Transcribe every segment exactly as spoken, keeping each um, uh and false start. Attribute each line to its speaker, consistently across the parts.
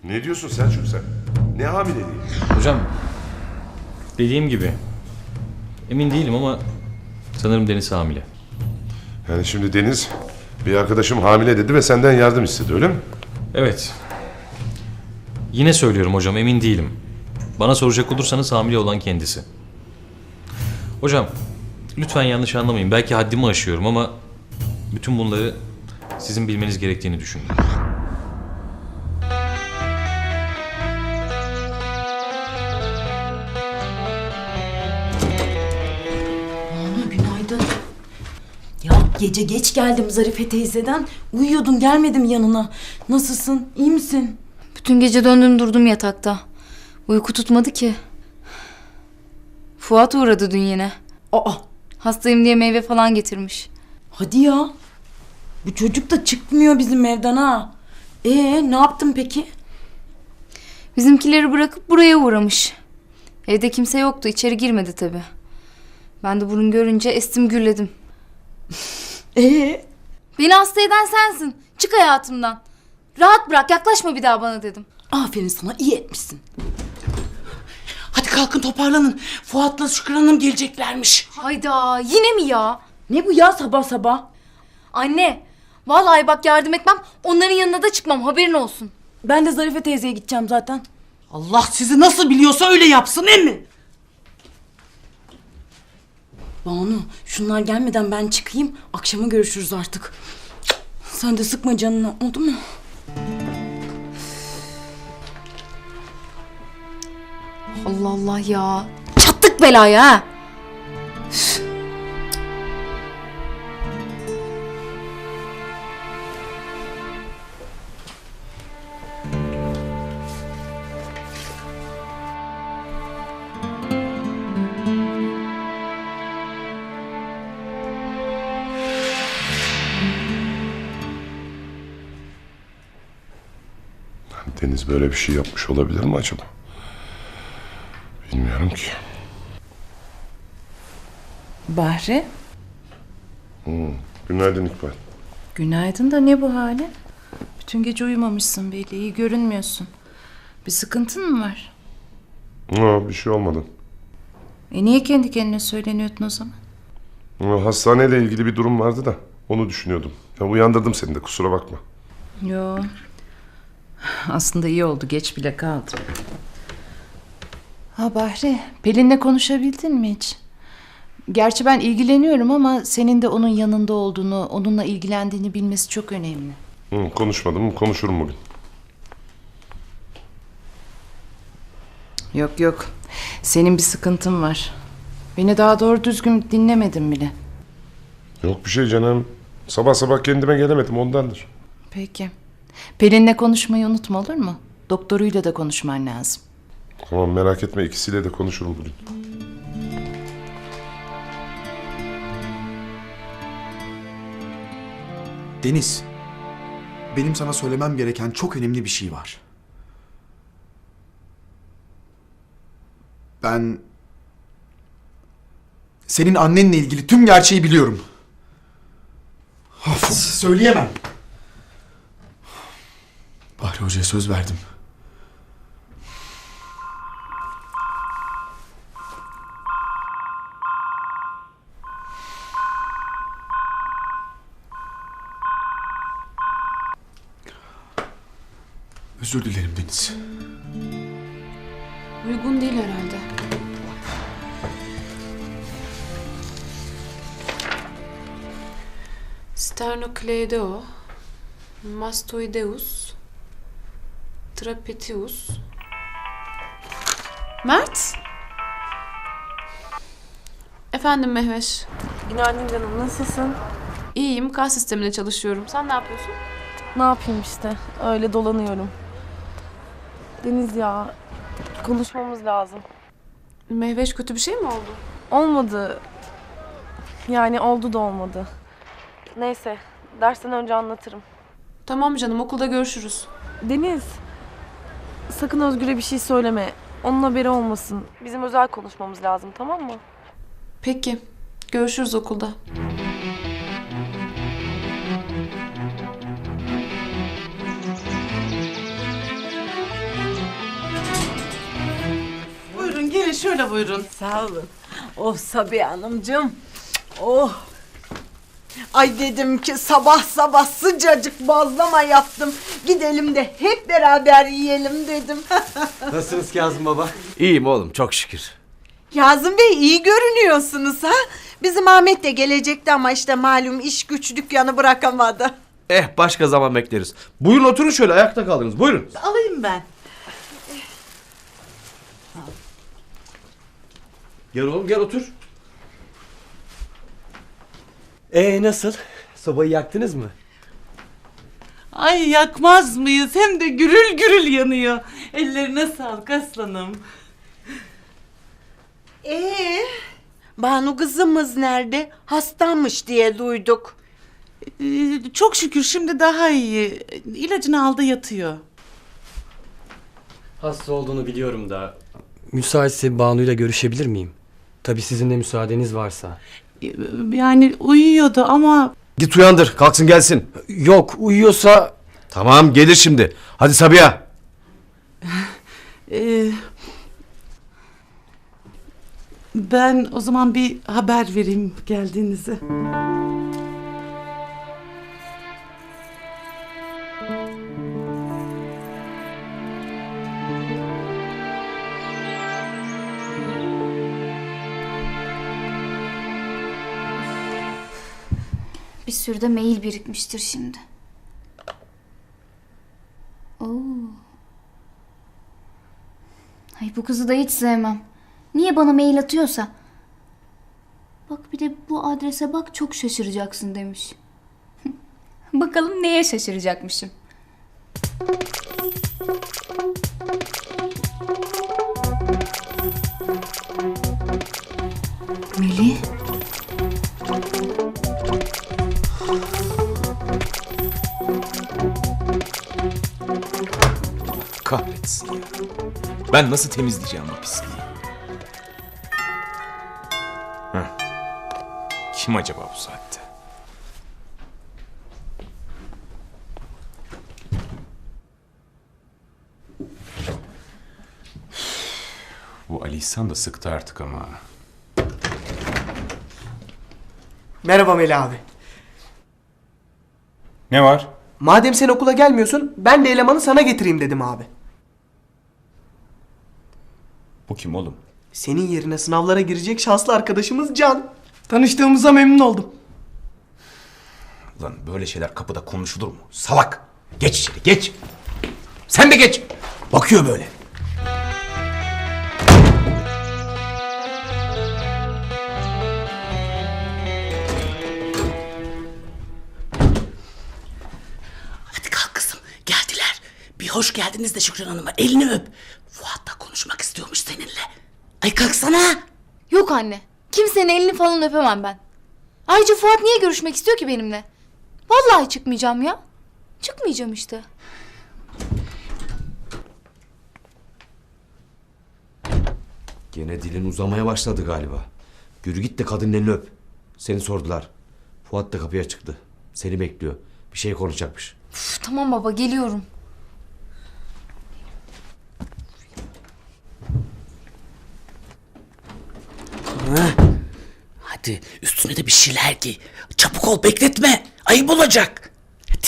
Speaker 1: Ne diyorsun Selçuk sen? Ne hamileliği?
Speaker 2: Hocam, dediğim gibi emin değilim ama sanırım Deniz hamile.
Speaker 1: Yani şimdi Deniz bir arkadaşım hamile dedi ve senden yardım istedi, öyle mi?
Speaker 2: Evet. Yine söylüyorum hocam, emin değilim. Bana soracak olursanız hamile olan kendisi. Hocam, lütfen yanlış anlamayın. Belki haddimi aşıyorum ama bütün bunları sizin bilmeniz gerektiğini düşündüm.
Speaker 3: Banu günaydın. Ya gece geç geldim Zarife teyzeden. Uyuyordum, gelmedim yanına. Nasılsın? İyi misin?
Speaker 4: Bütün gece döndüm durdum yatakta. Uyku tutmadı ki. Fuat uğradı dün yine.
Speaker 3: Aa,
Speaker 4: Hastayım diye meyve falan getirmiş.
Speaker 3: hadi ya. Bu çocuk da çıkmıyor bizim evden ha. Ee, ne yaptın peki?
Speaker 4: Bizimkileri bırakıp buraya uğramış. Evde kimse yoktu, içeri girmedi tabii. Ben de bunu görünce estim gürledim.
Speaker 3: Ee,
Speaker 4: Beni hasta eden sensin. Çık hayatımdan. Rahat bırak, yaklaşma bir daha bana dedim.
Speaker 3: aferin sana, iyi etmişsin.
Speaker 5: Hadi kalkın toparlanın. Fuat'la Şükran Hanım geleceklermiş.
Speaker 4: Hayda, yine mi ya?
Speaker 3: Ne bu ya sabah sabah?
Speaker 4: Anne, vallahi bak yardım etmem, onların yanına da çıkmam, haberin olsun.
Speaker 3: Ben de Zarife teyzeye gideceğim zaten.
Speaker 5: Allah sizi nasıl biliyorsa öyle yapsın, değil mi?
Speaker 3: Banu, şunlar gelmeden ben çıkayım. Akşama görüşürüz artık. Sen de sıkma canını, oldu mu?
Speaker 4: Allah Allah ya. Çattık belaya ha. Üf.
Speaker 1: Deniz böyle bir şey yapmış olabilir mi acaba? Bilmiyorum ki.
Speaker 6: Bahri,
Speaker 1: Günaydın İkbal.
Speaker 6: günaydın da ne bu hali? Bütün gece uyumamışsın belli, iyi görünmüyorsun. Bir sıkıntın mı var?
Speaker 1: Aa, bir şey olmadı.
Speaker 6: E niye kendi kendine söyleniyordun o zaman?
Speaker 1: Aa, hastaneyle ilgili bir durum vardı da onu düşünüyordum. Ya uyandırdım seni de, kusura bakma.
Speaker 6: Yo. Aslında iyi oldu, geç bile kaldım. Ha Bahri, Pelin'le konuşabildin mi hiç? Gerçi ben ilgileniyorum ama senin de onun yanında olduğunu, onunla ilgilendiğini bilmesi çok önemli.
Speaker 1: Hı, konuşmadım, konuşurum bugün.
Speaker 6: Yok yok, senin bir sıkıntın var. Beni daha doğru düzgün dinlemedin bile.
Speaker 1: Yok bir şey canım. Sabah sabah kendime gelemedim, ondandır.
Speaker 6: Peki. Pelin'le konuşmayı unutma, olur mu? Doktoruyla da konuşman lazım.
Speaker 1: Tamam, merak etme, ikisiyle de konuşurum bugün.
Speaker 7: Deniz, benim sana söylemem gereken çok önemli bir şey var. Ben senin annenle ilgili tüm gerçeği biliyorum. Of, söyleyemem. Bahri Hoca'ya söz verdim. Özür dilerim Deniz.
Speaker 4: Uygun değil herhalde.
Speaker 8: Sternocleidomastoideus, mastoideus, trapezius. Mert? Efendim Mehveş.
Speaker 9: Günaydın canım, nasılsın?
Speaker 8: İyiyim, kas sistemine çalışıyorum. Sen ne yapıyorsun?
Speaker 9: Ne yapayım işte, öyle dolanıyorum. Deniz ya, konuşmamız lazım.
Speaker 8: Mehveş, kötü bir şey mi oldu?
Speaker 9: Olmadı. Yani oldu da olmadı. Neyse, dersten önce anlatırım.
Speaker 8: Tamam canım, okulda görüşürüz.
Speaker 9: Deniz, sakın Özgür'e bir şey söyleme. Onun haberi olmasın. Bizim özel konuşmamız lazım, tamam mı?
Speaker 8: Peki, görüşürüz okulda.
Speaker 5: Ee, şöyle buyurun.
Speaker 10: Sağ olun. Oh Sabiha Hanımcığım. Oh. Ay dedim ki sabah sabah sıcacık bazlama yaptım. Gidelim de hep beraber yiyelim dedim.
Speaker 11: Nasılsınız Kazım baba? İyiyim oğlum çok şükür.
Speaker 10: Kazım Bey iyi görünüyorsunuz ha. Bizim Ahmet de gelecekti ama işte malum iş güç dükkanı bırakamadı.
Speaker 11: Eh başka zaman bekleriz. Buyurun oturun şöyle ayakta kaldınız buyurun.
Speaker 5: Alayım ben.
Speaker 11: Gel oğlum gel otur. Ee nasıl? Sobayı yaktınız mı?
Speaker 5: Ay yakmaz mıyız? Hem de gürül gürül yanıyor. Ellerine sağlık aslanım.
Speaker 10: Ee, Banu kızımız nerede? Hastamış diye duyduk.
Speaker 5: Ee, çok şükür şimdi daha iyi. İlacını aldı yatıyor.
Speaker 12: Hasta olduğunu biliyorum da. Müsaitse Banu'yla görüşebilir miyim? Tabii sizin de müsaadeniz varsa.
Speaker 5: Ee, Yani uyuyordu ama...
Speaker 11: Git uyandır kalksın gelsin.
Speaker 12: Yok uyuyorsa...
Speaker 11: Tamam gelir şimdi. Hadi Sabiha.
Speaker 5: Ee, ben o zaman bir haber vereyim geldiğinizi.
Speaker 4: Bir sürü de mail birikmiştir şimdi. Oo. Ay bu kızı da hiç sevmem. Niye bana mail atıyorsa? Bak bir de bu adrese bak çok şaşıracaksın demiş. Bakalım neye şaşıracakmışım. Melih?
Speaker 13: Kahretsin ya. Ben nasıl temizleyeceğim bu pisliği? Heh. Kim acaba bu saatte? Bu Ali İhsan da sıktı artık ama.
Speaker 14: Merhaba Melih abi.
Speaker 13: Ne var?
Speaker 14: Madem sen okula gelmiyorsun, ben de elemanı sana getireyim dedim abi.
Speaker 13: Bu kim oğlum?
Speaker 14: Senin yerine sınavlara girecek şanslı arkadaşımız Can. Tanıştığımıza memnun oldum.
Speaker 13: Lan böyle şeyler kapıda konuşulur mu? Salak! Geç içeri geç! Sen de geç! Bakıyor böyle.
Speaker 5: Hadi kalk kızım geldiler. Bir hoş geldiniz de Şükran Hanım'a elini öp. Fuat da konuşmak istiyormuş seninle. Ay kalksana.
Speaker 4: Yok anne. Kimsenin elini falan öpemem ben. Ayrıca Fuat niye görüşmek istiyor ki benimle? Vallahi çıkmayacağım ya. Çıkmayacağım işte.
Speaker 11: Gene dilin uzamaya başladı galiba. Yürü git de kadının elini öp. Seni sordular. Fuat da kapıya çıktı. Seni bekliyor. Bir şey konuşacakmış.
Speaker 4: Üf, tamam baba geliyorum.
Speaker 5: Hadi üstüne de bir şeyler giy. Çabuk ol bekletme. Ayıp olacak. Hadi.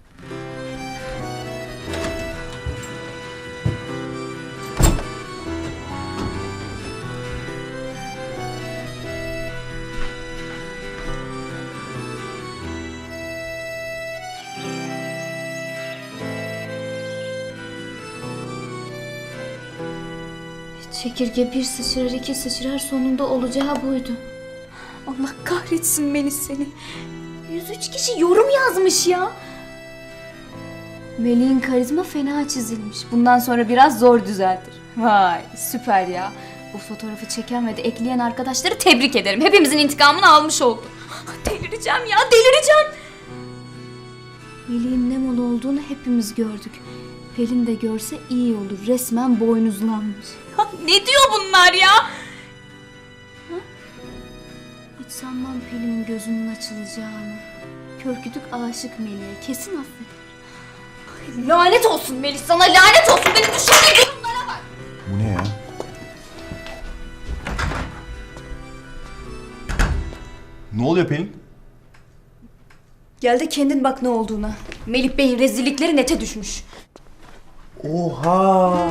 Speaker 4: Çekirge bir sıçrar iki sıçrar sonunda olacağı buydu. Allah kahretsin Melis seni. yüz üç kişi yorum yazmış ya. Melih'in karizma fena çizilmiş. Bundan sonra biraz zor düzeltir. Vay süper ya. Bu fotoğrafı çeken ve de ekleyen arkadaşları tebrik ederim. Hepimizin intikamını almış oldu. Delireceğim ya delireceğim. Melih'in ne mal olduğunu hepimiz gördük. Pelin de görse iyi olur. Resmen boynuzlanmış. Ne diyor bunlar ya? Ha? Hiç sanmam Pelin'in gözünün açılacağını. Körkütük aşık Melih'e kesin affeder. Ay, lanet olsun Melih sana lanet olsun. Beni düşürdüğün durumlara bak.
Speaker 13: Bu ne ya?
Speaker 7: Ne oluyor Pelin?
Speaker 4: Gel de kendin bak ne olduğuna. Melih Bey'in rezillikleri nete düşmüş.
Speaker 14: Oha!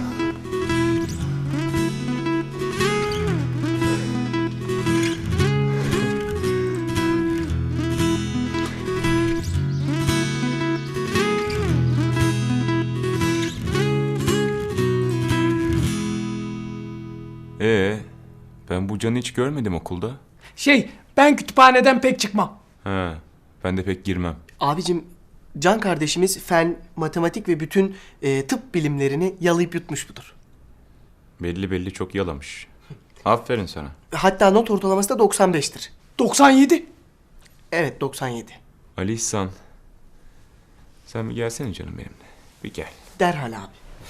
Speaker 15: Ee, ben bu Can'ı hiç görmedim okulda.
Speaker 14: Şey, ben kütüphaneden pek çıkmam.
Speaker 15: Ha, ben de pek girmem.
Speaker 14: Abicim, Can kardeşimiz fen, matematik ve bütün e, tıp bilimlerini yalayıp yutmuş budur.
Speaker 15: Belli belli çok yalamış. Aferin sana.
Speaker 14: Hatta not ortalaması da doksan beştir. doksan yedi? Evet, doksan yedi.
Speaker 15: Ali İhsan, sen bir gelsene canım benimle. Bir gel.
Speaker 14: Derhal abi.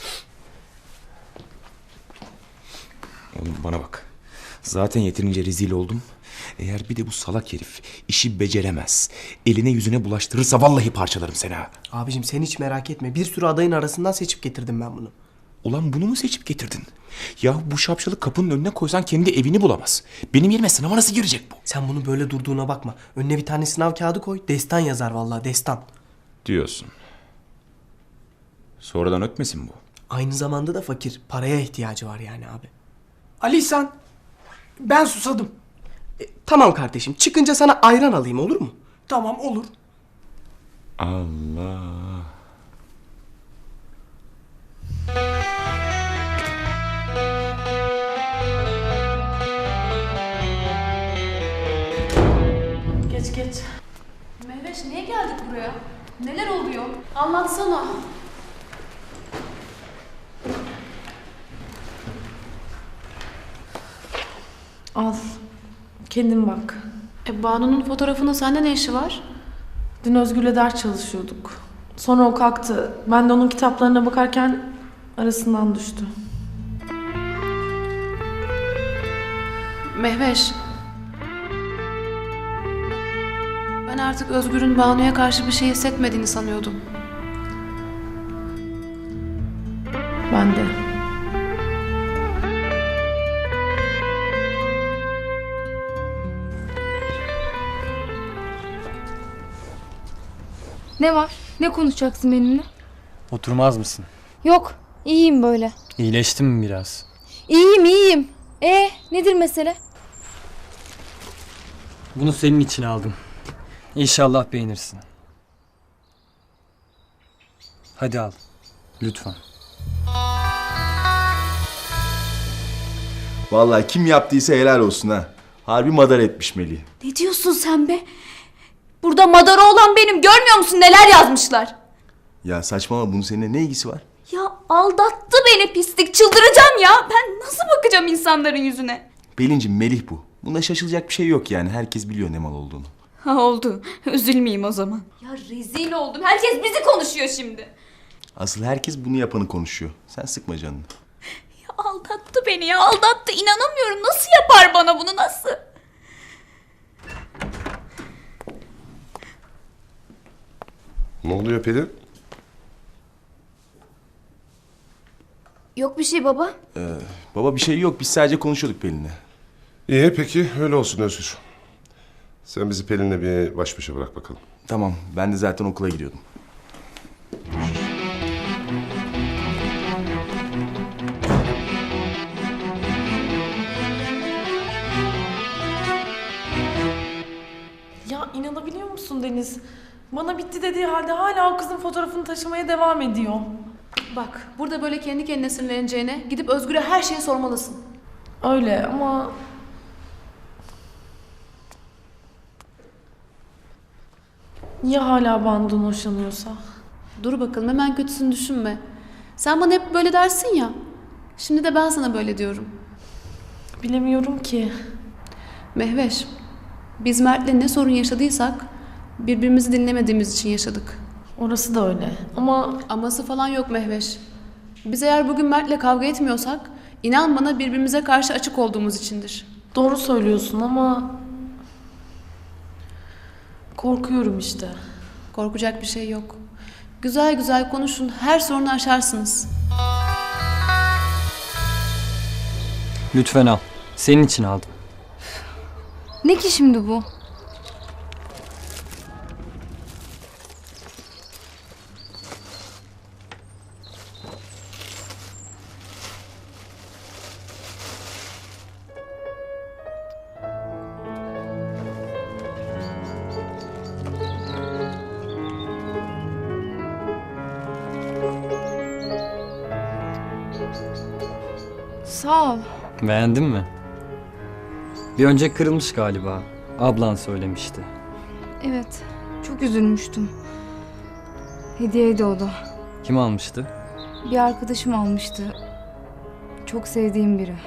Speaker 13: Oğlum bana bak. Zaten yeterince rezil oldum. Eğer bir de bu salak herif işi beceremez, eline yüzüne bulaştırırsa vallahi parçalarım seni ha.
Speaker 14: Abicim sen hiç merak etme. Bir sürü adayın arasından seçip getirdim ben bunu.
Speaker 13: Ulan bunu mu seçip getirdin? Ya bu şapşalı kapının önüne koysan kendi evini bulamaz. Benim yerime sınava nasıl girecek bu?
Speaker 14: Sen bunu böyle durduğuna bakma. Önüne bir tane sınav kağıdı koy. Destan yazar vallahi, destan.
Speaker 15: Diyorsun. Sonradan ötmesin bu.
Speaker 14: Aynı zamanda da fakir. Paraya ihtiyacı var yani abi.
Speaker 16: Ali İhsan, ben susadım.
Speaker 14: E, tamam kardeşim. Çıkınca sana ayran alayım, olur mu?
Speaker 16: Tamam, olur.
Speaker 15: Allah.
Speaker 8: Geç geç. Mehveş niye geldik buraya? Neler oluyor? Anlatsana.
Speaker 9: Al. Kendin bak.
Speaker 8: E Banu'nun fotoğrafının sende ne işi var?
Speaker 9: Dün Özgür'le ders çalışıyorduk. Sonra o kalktı. Ben de onun kitaplarına bakarken arasından düştü.
Speaker 8: Mehveş. Ben artık Özgür'ün Banu'ya karşı bir şey hissetmediğini sanıyordum.
Speaker 9: Ben de.
Speaker 4: Ne var? Ne konuşacaksın benimle?
Speaker 12: Oturmaz mısın?
Speaker 4: Yok, iyiyim böyle.
Speaker 12: İyileştin mi biraz?
Speaker 4: İyiyim, iyiyim. E, nedir mesele?
Speaker 12: Bunu senin için aldım. İnşallah beğenirsin. Hadi al. Lütfen.
Speaker 7: Vallahi kim yaptıysa helal olsun ha. Harbi madar etmiş Melih.
Speaker 4: Ne diyorsun sen be? Burada madara olan benim. Görmüyor musun neler yazmışlar?
Speaker 7: Ya saçmalama, bunun seninle ne ilgisi var?
Speaker 4: Ya aldattı beni pislik. Çıldıracağım ya. Ben nasıl bakacağım insanların yüzüne?
Speaker 7: Pelincim, Melih bu. Bunda şaşılacak bir şey yok yani. Herkes biliyor ne mal olduğunu.
Speaker 4: Ha oldu. Üzülmeyeyim o zaman. Ya rezil oldum. Herkes bizi konuşuyor şimdi.
Speaker 7: Asıl herkes bunu yapanı konuşuyor. Sen sıkma canını.
Speaker 4: Ya aldattı beni ya. Aldattı. İnanamıyorum. Nasıl yapar bana bunu? Nasıl?
Speaker 1: Ne oluyor Pelin?
Speaker 4: Yok bir şey baba.
Speaker 7: Ee, baba bir şey yok. Biz sadece konuşuyorduk Pelin'le.
Speaker 1: İyi peki öyle olsun Özgür. Sen bizi Pelin'le bir baş başa bırak bakalım.
Speaker 7: Tamam, ben de zaten okula gidiyordum.
Speaker 9: Ya inanabiliyor musun Deniz? Bana bitti dediği halde hala o kızın fotoğrafını taşımaya devam ediyor.
Speaker 8: Bak, burada böyle kendi kendine sinirleneceğine gidip Özgür'e her şeyi sormalısın.
Speaker 9: Öyle ama... Ya hala Banu'dan hoşlanıyorsa?
Speaker 8: Dur bakalım, hemen kötüsünü düşünme. Sen bana hep böyle dersin ya. Şimdi de ben sana böyle diyorum.
Speaker 9: Bilemiyorum ki.
Speaker 8: Mehveş, biz Mert'le ne sorun yaşadıysak birbirimizi dinlemediğimiz için yaşadık.
Speaker 9: Orası da öyle ama...
Speaker 8: Aması falan yok Mehveş. Biz eğer bugün Mert'le kavga etmiyorsak inan bana birbirimize karşı açık olduğumuz içindir.
Speaker 9: Doğru söylüyorsun ama... Korkuyorum işte.
Speaker 8: Korkacak bir şey yok. Güzel güzel konuşun, her sorunu aşarsınız.
Speaker 12: Lütfen al. Senin için aldım.
Speaker 4: Ne ki şimdi bu? Sağ ol.
Speaker 12: Beğendin mi? Bir önce kırılmış galiba. Ablan söylemişti.
Speaker 4: Evet. Çok üzülmüştüm. Hediyeydi o da.
Speaker 12: Kim almıştı?
Speaker 4: Bir arkadaşım almıştı. Çok sevdiğim biri.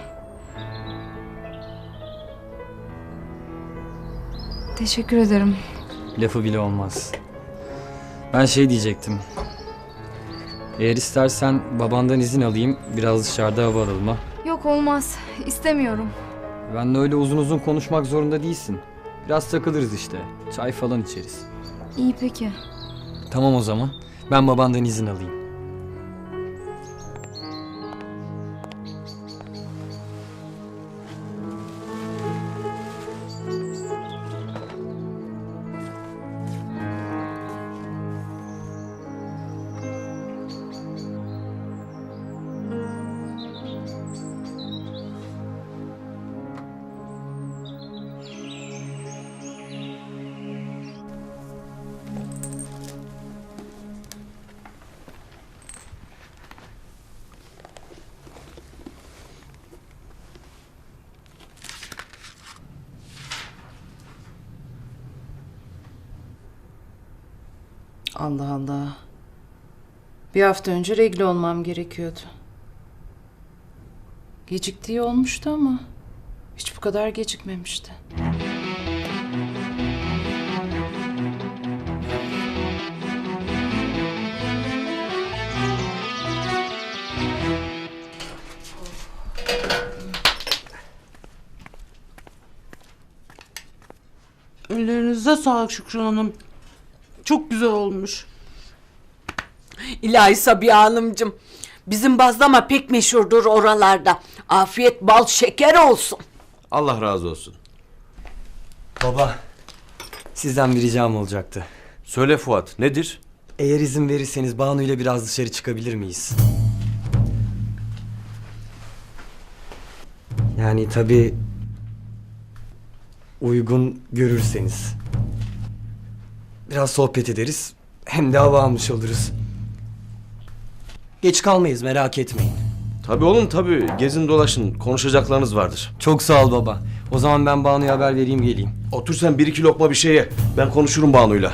Speaker 4: Teşekkür ederim.
Speaker 12: Lafı bile olmaz. Ben şey diyecektim. Eğer istersen babandan izin alayım, biraz dışarıda hava alalım ha.
Speaker 4: Yok olmaz. İstemiyorum.
Speaker 12: Benle öyle uzun uzun konuşmak zorunda değilsin. Biraz takılırız işte. Çay falan içeriz.
Speaker 4: İyi peki.
Speaker 12: Tamam o zaman. Ben babandan izin alayım.
Speaker 6: Allah Allah. Bir hafta önce regle olmam gerekiyordu. Geciktiği olmuştu ama hiç bu kadar gecikmemişti.
Speaker 10: Ellerinize sağlık Şükran Hanım. Çok güzel olmuş. İlahi Sabiha Hanımcığım. Bizim bazlama pek meşhurdur oralarda. Afiyet bal şeker olsun.
Speaker 11: Allah razı olsun.
Speaker 12: Baba, sizden bir ricam olacaktı.
Speaker 11: Söyle Fuat, nedir?
Speaker 12: Eğer izin verirseniz Banu ile biraz dışarı çıkabilir miyiz? Yani tabii uygun görürseniz. Biraz sohbet ederiz. Hem de hava almış oluruz. Geç kalmayız, merak etmeyin.
Speaker 11: Tabii oğlum tabii. Gezin dolaşın. Konuşacaklarınız vardır.
Speaker 12: Çok sağ ol baba. O zaman ben Banu'ya haber vereyim geleyim.
Speaker 11: Otur sen bir iki lokma bir şey ye. Ben konuşurum Banu'yla.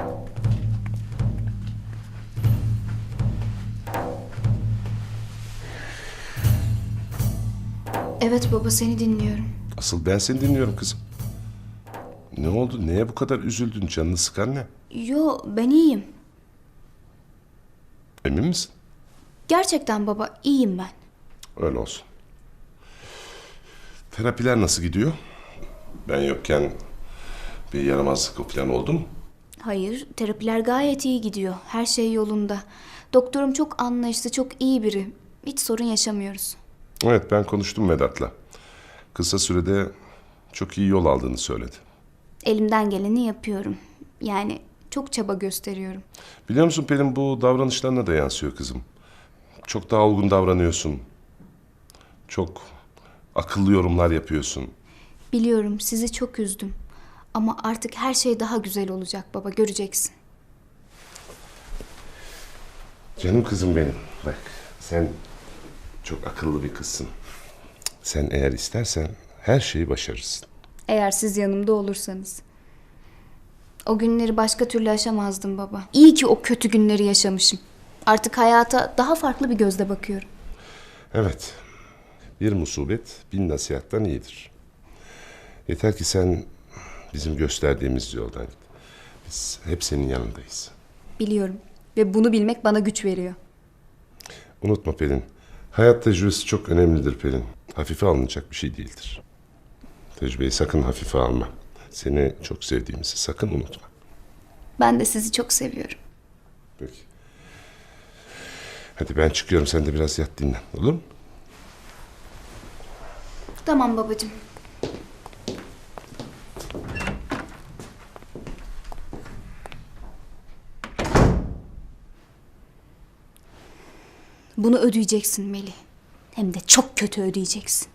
Speaker 4: Evet baba, seni dinliyorum.
Speaker 1: Asıl ben seni dinliyorum kızım. Ne oldu? Neye bu kadar üzüldün? Canını sıkan ne?
Speaker 4: Yo, ben iyiyim.
Speaker 1: Emin misin?
Speaker 4: Gerçekten baba, iyiyim ben.
Speaker 1: Öyle olsun. Terapiler nasıl gidiyor? Ben yokken bir yaramazlık falan oldu mu?
Speaker 4: Hayır, terapiler gayet iyi gidiyor. Her şey yolunda. Doktorum çok anlayışlı, çok iyi biri. Hiç sorun yaşamıyoruz.
Speaker 1: Evet, ben konuştum Vedat'la. Kısa sürede çok iyi yol aldığını söyledi.
Speaker 4: Elimden geleni yapıyorum. Yani çok çaba gösteriyorum.
Speaker 1: Biliyor musun Pelin, bu davranışlarına da yansıyor kızım. Çok daha olgun davranıyorsun. Çok akıllı yorumlar yapıyorsun.
Speaker 4: Biliyorum, sizi çok üzdüm. Ama artık her şey daha güzel olacak baba, göreceksin.
Speaker 1: Canım kızım benim. Bak, sen çok akıllı bir kızsın. Sen eğer istersen her şeyi başarırsın.
Speaker 4: Eğer siz yanımda olursanız. O günleri başka türlü aşamazdım baba. İyi ki o kötü günleri yaşamışım. Artık hayata daha farklı bir gözle bakıyorum.
Speaker 1: Evet. Bir musibet bin nasihattan iyidir. Yeter ki sen bizim gösterdiğimiz yoldan git. Biz hep senin yanındayız.
Speaker 4: Biliyorum ve bunu bilmek bana güç veriyor.
Speaker 1: Unutma Pelin. Hayat tecrübesi çok önemlidir Pelin. Hafife alınacak bir şey değildir. Tecrübeyi sakın hafife alma. Seni çok sevdiğimizi sakın unutma.
Speaker 4: Ben de sizi çok seviyorum.
Speaker 1: Peki. Hadi ben çıkıyorum. Sen de biraz yat dinlen. Olur mu?
Speaker 4: Tamam babacığım. Bunu ödeyeceksin Melih. Hem de çok kötü ödeyeceksin.